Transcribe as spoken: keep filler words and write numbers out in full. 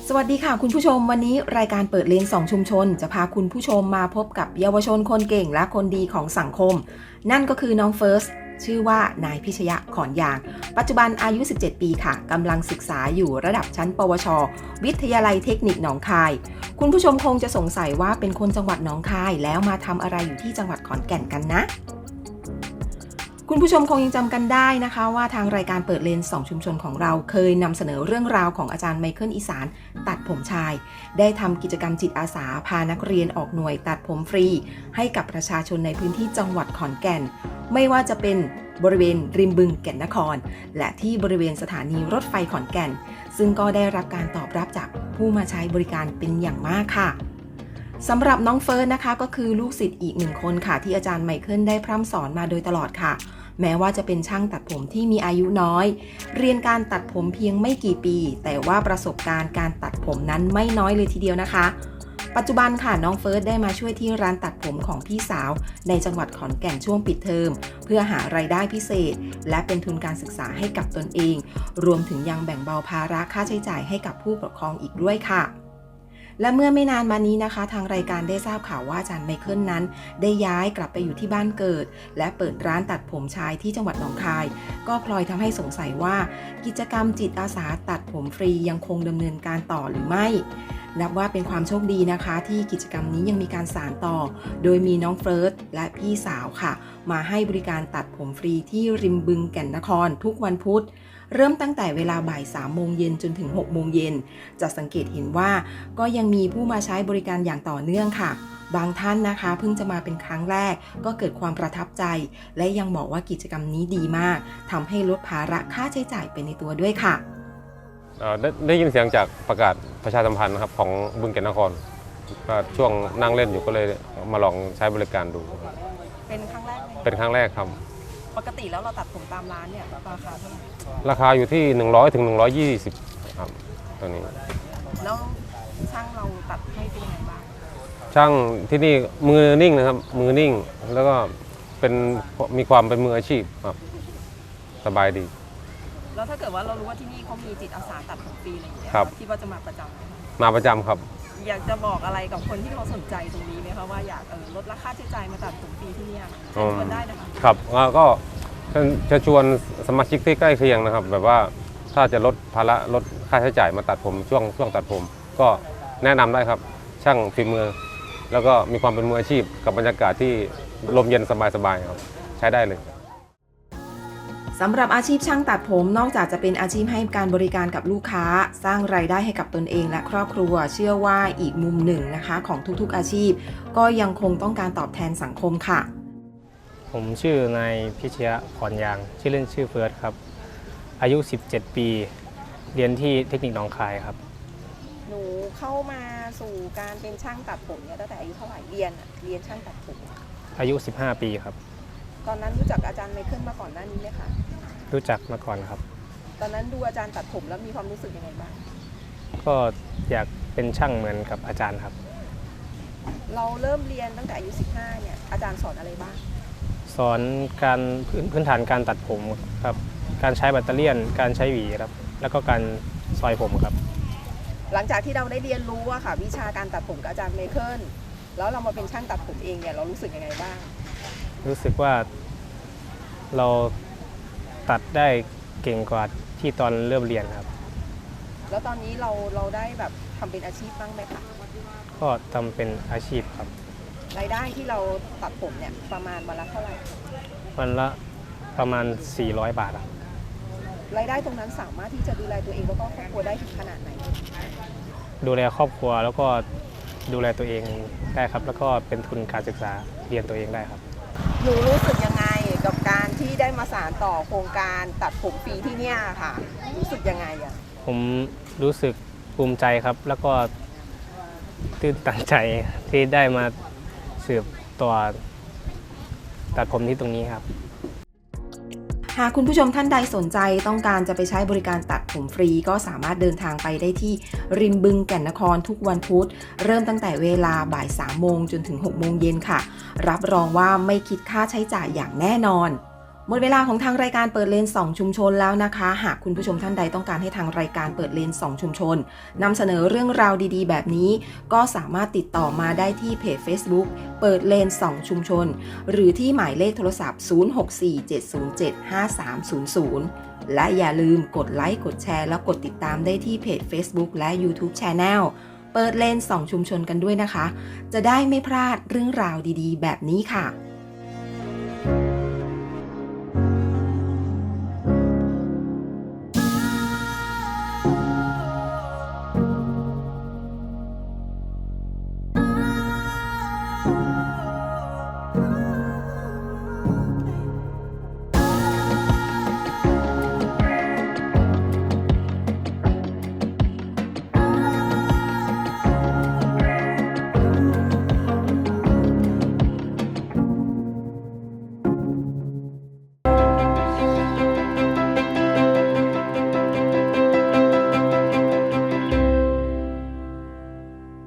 สวัสดีค่ะคุณผู้ชมวันนี้รายการเปิดเลนสองชุมชนจะพาคุณผู้ชมมาพบกับเยาวชนคนเก่งและคนดีของสังคมนั่นก็คือน้องเฟิร์สชื่อว่านายพิชยะขอนยางปัจจุบันอายุสิบเจ็ดปีค่ะกำลังศึกษาอยู่ระดับชั้นปวชวิทยาลัยเทคนิคหนองคายคุณผู้ชมคงจะสงสัยว่าเป็นคนจังหวัดหนองคายแล้วมาทำอะไรอยู่ที่จังหวัดขอนแก่นกันนะคุณผู้ชมคงยังจำกันได้นะคะว่าทางรายการเปิดเลนสองชุมชนของเราเคยนำเสนอเรื่องราวของอาจารย์ไมเคิลอีสานตัดผมชายได้ทำกิจกรรมจิตอาสาพานักเรียนออกหน่วยตัดผมฟรีให้กับประชาชนในพื้นที่จังหวัดขอนแก่นไม่ว่าจะเป็นบริเวณริมบึงแก่นนครและที่บริเวณสถานีรถไฟขอนแก่นซึ่งก็ได้รับการตอบรับจากผู้มาใช้บริการเป็นอย่างมากค่ะสำหรับน้องเฟิร์สนะคะก็คือลูกศิษย์อีกหนึ่งคนค่ะที่อาจารย์ไมเคิลได้พร่ำสอนมาโดยตลอดค่ะแม้ว่าจะเป็นช่างตัดผมที่มีอายุน้อยเรียนการตัดผมเพียงไม่กี่ปีแต่ว่าประสบการณ์การตัดผมนั้นไม่น้อยเลยทีเดียวนะคะปัจจุบันค่ะน้องเฟิร์สได้มาช่วยที่ร้านตัดผมของพี่สาวในจังหวัดขอนแก่นช่วงปิดเทอมเพื่อหารายได้พิเศษและเป็นทุนการศึกษาให้กับตนเองรวมถึงยังแบ่งเบาภาระค่าใช้จ่ายให้กับผู้ปกครองอีกด้วยค่ะและเมื่อไม่นานมานี้นะคะทางรายการได้ทราบข่าวว่าอาจารย์ไมเคิลนั้นได้ย้ายกลับไปอยู่ที่บ้านเกิดและเปิดร้านตัดผมชายที่จังหวัดหนองคายก็พลอยทำให้สงสัยว่ากิจกรรมจิตอาสาตัดผมฟรียังคงดำเนินการต่อหรือไม่นับว่าเป็นความโชคดีนะคะที่กิจกรรมนี้ยังมีการสานต่อโดยมีน้องเฟิร์สและพี่สาวค่ะมาให้บริการตัดผมฟรีที่ริมบึงแก่นนครทุกวันพุธเริ่มตั้งแต่เวลาบ่ายสามโมงเย็นจนถึงหกโมงเย็นจะสังเกตเห็นว่าก็ยังมีผู้มาใช้บริการอย่างต่อเนื่องค่ะบางท่านนะคะเพิ่งจะมาเป็นครั้งแรกก็เกิดความประทับใจและยังบอกว่ากิจกรรมนี้ดีมากทำให้ลดภาระค่าใช้จ่ายไปในตัวด้วยค่ะได้ได้ยินเสียงจากประกาศประชาสัมพันธ์นะครับของบึงแก่นนครก็ช่วงนั่งเล่นอยู่ก็เลยมาลองใช้บริการดูเป็นครั้งแรกไหมเป็นครั้งแรกครับปกติแล้วเราตัดผมตามร้านเนี่ยราคาเท่าไหร่ราคาอยู่ที่หนึ่งร้อยถึงหนึ่งร้อยยี่สิบครับตัวนี้แล้วช่างเราตัดให้เป็นยังไงบ้างช่างที่นี่มือนิ่งนะครับมือนิ่งแล้วก็เป็นมีความเป็นมืออาชีพครับสบายดีแล้วถ้าเกิดว่าเรารู้ว่าที่นี่เขามีจิตอาสาตัดผมฟรีอะไรอย่างเงี้ยคิดว่าจะมาประจำไหมคะมาประจำครับอยากจะบอกอะไรกับคนที่เขาสนใจตรงนี้ไหมคะว่าอยากลดราคาใช้จ่ายมาตัดผมฟรีที่นี่เชิญชวนได้นะคะครับก็จะชวนสมาชิกที่ใกล้เคียงนะครับแบบว่าถ้าจะลดภาระลดค่าใช้จ่ายมาตัดผมช่วงช่วงตัดผมก็แนะนำได้ครับช่างฝีมือแล้วก็มีความเป็นมืออาชีพกับบรรยากาศที่ลมเย็นสบายๆครับใช้ได้เลยสำหรับอาชีพช่างตัดผมนอกจากจะเป็นอาชีพให้การบริการกับลูกค้าสร้างรายได้ให้กับตนเองและครอบครัวเชื่อว่าอีกมุมหนึ่งนะคะของทุกๆอาชีพก็ยังคงต้องการตอบแทนสังคมค่ะผมชื่อนายพิชยะขอนยางชื่อเล่นชื่อเฟิร์สครับอายุสิบเจ็ดปีเรียนที่เทคนิคหนองคายครับหนูเข้ามาสู่การเป็นช่างตัดผมเนี่ยตั้งแต่อายุเท่าไหร่เรียนเรียนช่างตัดผมอายุสิบห้าปีครับตอนนั้นรู้จักอาจารย์ไมเคิลมาก่อนหน้านี้ไหมคะรู้จักมาก่อนครับตอนนั้นดูอาจารย์ตัดผมแล้วมีความรู้สึกยังไงบ้างก็อยากเป็นช่างเหมือนกับอาจารย์ครับเราเริ่มเรียนตั้งแต่อายุสิบห้าเนี่ยอาจารย์สอนอะไรบ้างสอนการพื้นฐานการตัดผมครับการใช้แบตเตอรี่การใช้หวีครับแล้วก็การซอยผมครับหลังจากที่เราได้เรียนรู้อะค่ะวิชาการตัดผมกับอาจารย์ไมเคิลแล้วเรามาเป็นช่างตัดผมเองเนี่ยเรารู้สึกยังไงบ้างรู้สึกว่าเราตัดได้เก่งกว่าที่ตอนเริ่มเรียนครับแล้วตอนนี้เราเราได้แบบทำเป็นอาชีพบ้างไหมคะก็ทำเป็นอาชีพครับรายได้ที่เราตัดผมเนี่ยประมาณวันละเท่าไหร่วันละประมาณสี่ร้อยบาทครับรายได้ตรงนั้นสามารถที่จะดูแลตัวเองแล้วก็ครอบครัวได้ถึงขนาดไหนดูแลครอบครัวแล้วก็ดูแลตัวเองได้ครับแล้วก็เป็นทุนการศึกษาเรียนตัวเองได้ครับหนูรู้สึกยังไงกับการที่ได้มาสานต่อโครงการตัดผมฟรีที่เนี่ยค่ะรู้สึกยังไงอ่ะผมรู้สึกภูมิใจครับแล้วก็ตื่นตันใจที่ได้มาสืบต่อตัดผมที่ตรงนี้ครับหากคุณผู้ชมท่านใดสนใจต้องการจะไปใช้บริการตัดผมฟรีก็สามารถเดินทางไปได้ที่ริมบึงแก่นนครทุกวันพุธเริ่มตั้งแต่เวลาบ่ายสามโมงจนถึงหกโมงเย็นค่ะรับรองว่าไม่คิดค่าใช้จ่ายอย่างแน่นอนหมดเวลาของทางรายการเปิดเลนสองชุมชนแล้วนะคะ หากคุณผู้ชมท่านใดต้องการให้ทางรายการเปิดเลนสองชุมชนนำเสนอเรื่องราวดีๆแบบนี้ก็สามารถติดต่อมาได้ที่เพจ Facebook เปิดเลนสองชุมชนหรือที่หมายเลขโทรศัพท์ ศูนย์ หก สี่ เจ็ด ศูนย์ เจ็ด ห้า สาม ศูนย์ ศูนย์ และอย่าลืมกดไลค์กดแชร์แล้วกดติดตามได้ที่เพจ Facebook และ YouTube Channel เปิดเลนสองชุมชนกันด้วยนะคะจะได้ไม่พลาดเรื่องราวดีๆแบบนี้ค่ะ